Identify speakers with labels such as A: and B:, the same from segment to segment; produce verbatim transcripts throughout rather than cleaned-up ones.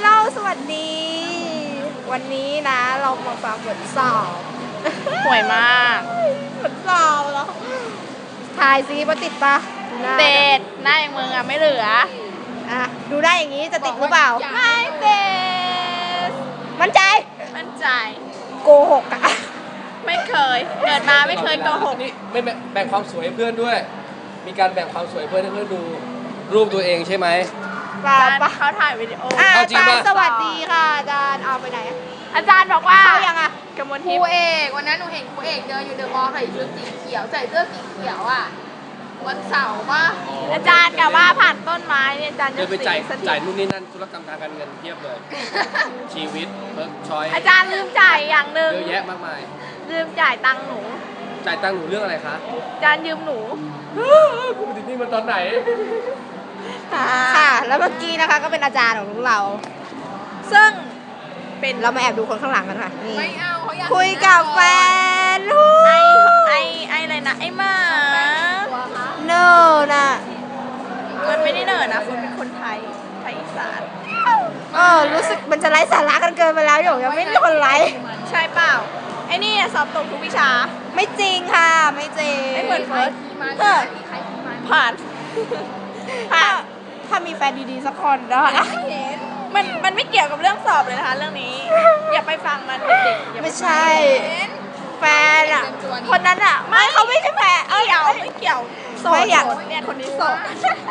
A: ลสวัสดี วันนี้นะเรามาฟังบทสอบ
B: ห่วยมาก
A: บทสอบเหรอถ่ายซิว่าติดปะ
B: เด็ดหน้าอย่างมึงอ่ะไม่เหลือ
A: อ่ะดูได้อย่างนี้จะติดหรือเปล่า
B: ไม่เด็ด
A: มั่นใจ
B: มั่นใจ
A: โกหกอะ
B: ไม่เคยเกิดมาไม่เคยโกหก
C: นี่ไม่แบ่งความสวยให้เพื่อนด้วยมีการแบ่งความสวยเพื่อนให้เพื่อนดูรูปตัวเองใช่ไหม
A: ป่ะป่ะ
B: เขาถ่ายวิดีโอ
A: อาจารย์สวัสดีค่ะอาจารย์เอาไปไหน
B: อาจารย์บอกว่า
A: เขายังอะ
B: กมล
D: ทิพย์ครูเอกวันนั้นหนูเห็นครูเอกเดินอยู่เดอะมอลล์ใส่ชุดสีเขียวใส่เสื้อสีเขียวอ่ะวันเสาร์ป่ะ
B: อาจารย์กะว่าผ่านต้นไม้เนี่ยอาจารย์จะ
C: เดินไปจ่ายจ่ายนู่นนี่นั่นธุรกรรมทางการเงินเทียบเลยชีวิตเพิร์กชอย
B: อาจารย์ลืมจ่ายอย่างหนึ่ง
C: เยอะแยะมากมาย
B: ลืมจ่ายตังค์หนู
C: จ่ายตังค์หนูเรื่องอะไรคะ
B: อาจารย์ยืมหนู
C: กูไปติดนี่มันตอนไหน
A: ค่ะแล้วเมื่อกี้นะคะก็เป็นอาจารย์ของเรา
B: ซึ่งเป็น
A: เรามาแอบดูคนข้างหลังกันค่ะนี่
D: ไม่เอาเขาอยาก
A: คุยกับแฟน
B: ไอไอไออะไรนะไอมา
A: เนอร์นะ
B: มันไม่ได้เนอร์นะคุณเป็นคนไทยไทยอีสาน
A: เออรู้สึกมันจะไร้สาระกันเกินไปแล้วอยู่ยังไม่มีคนไลค์
B: ใช่เปล่าไอ้นี่สอบตกทุกวิชา
A: ไม่จริงค่ะไม่จริง
B: ไม่เหมือนเฟิร์ส
D: เออ
B: ผ่าน
A: ถ้าถ้ามีแฟนดีๆสักคนนะคะ
B: มันมันไม่เกี่ยวกับเรื่องสอบเลยนะคะเรื่องนี้อย่าไปฟังมันเด็กๆ
A: ไม่ใช่แฟนอ่ะ
B: คนนั้นอ่ะ
A: ไม่เขาไม่ใช่แฟน
B: เออไม่เกี่ยวโสดเนี่ยคนนี้โสด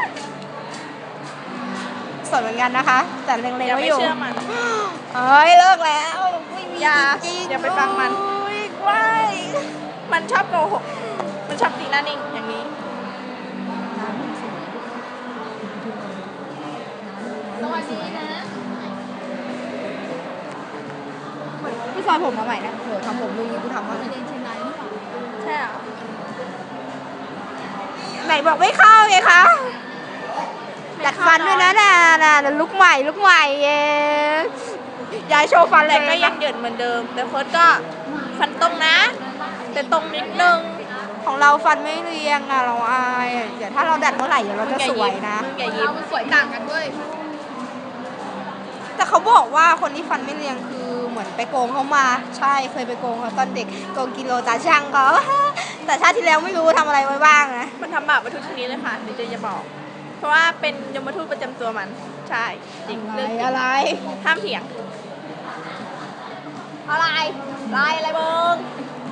A: โสดเหมือนกันนะคะแต่เล็งๆไว้อยู่
B: อย่าไปเชื่อมัน
A: เอ้ยเลิกแล้วไม่มี
B: จริงอย่าไปฟังมัน
A: ไม่
B: มันชอบโกหกมันชอบตีหน้านิ่งอย่างนี้
D: สวัสดีนะ
A: พี่ซอยผมมาใหม่นะเผื่อทำผมดูนี่กูทำมา
D: เรียนเชียงรายหรือเปล่า
B: ใช่เหรอ
A: ไหนบอกไม่เข้าไงคะดัดฟันด้วยนะน่ะน่ะลุกใหม่ลุกใหม่เองยายโชว์ฟัน
B: แต่ก็ยังเหยินเหมือนเดิมแต่เฟิร์สก็ฟันตรงนะแต่ตรงนิดนึง
A: ของเราฟันไม่เรียงอ่ะเราอายเดี๋ยวถ้าเราดัดเมื่อไหร่เดี๋ยวเราจะสวยนะ
D: เราสวยต่างกันด้วย
A: แต่เขาบอกว่าคนที่ฟันไม่เรียงคือเหมือนไปโกงเขามาใช่เคยไปโกงเขาตอนเด็กโกงกิโลตาช่างเขาแต่ชาติที่แล้วไม่รู้ทำอะไรไว้บ้างนะ
B: มันทำบาปมาทุกชนิดเลยค่ะเดี๋ยวจะจะบอกเพราะว่าเป็นยมทูตประจำตัวมันใช่จริง
A: เรื่องอะไร
B: ห้ามเถียง
A: อะไรลายอะไรเบิ้ง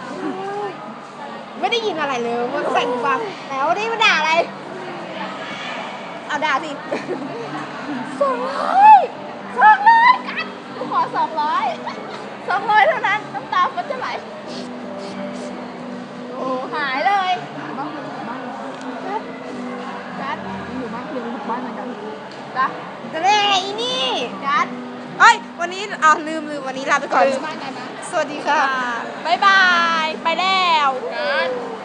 A: ไม่ได้ยินอะไรเลยมันใส่หูฟังแล้วนี่มันด่าอะไรเอาด่าสิสองร้อยสองร้อยกันกูขอสองร้อย
B: สองร้อยเท่านั้นน้ำตาฟันจะไหล
A: โอ้หายเลย
D: กัดกัดอยู่บ้านเรียนอยู่บ้านเหมือนกัน
A: จ้ะจะเล่อีนี่กัดเอ้ยวันนี้อ๋อลืมลืมวันนี้ลาไปก่อนสวัสดีค่ะ
B: บ๊ายบายไปแล้ว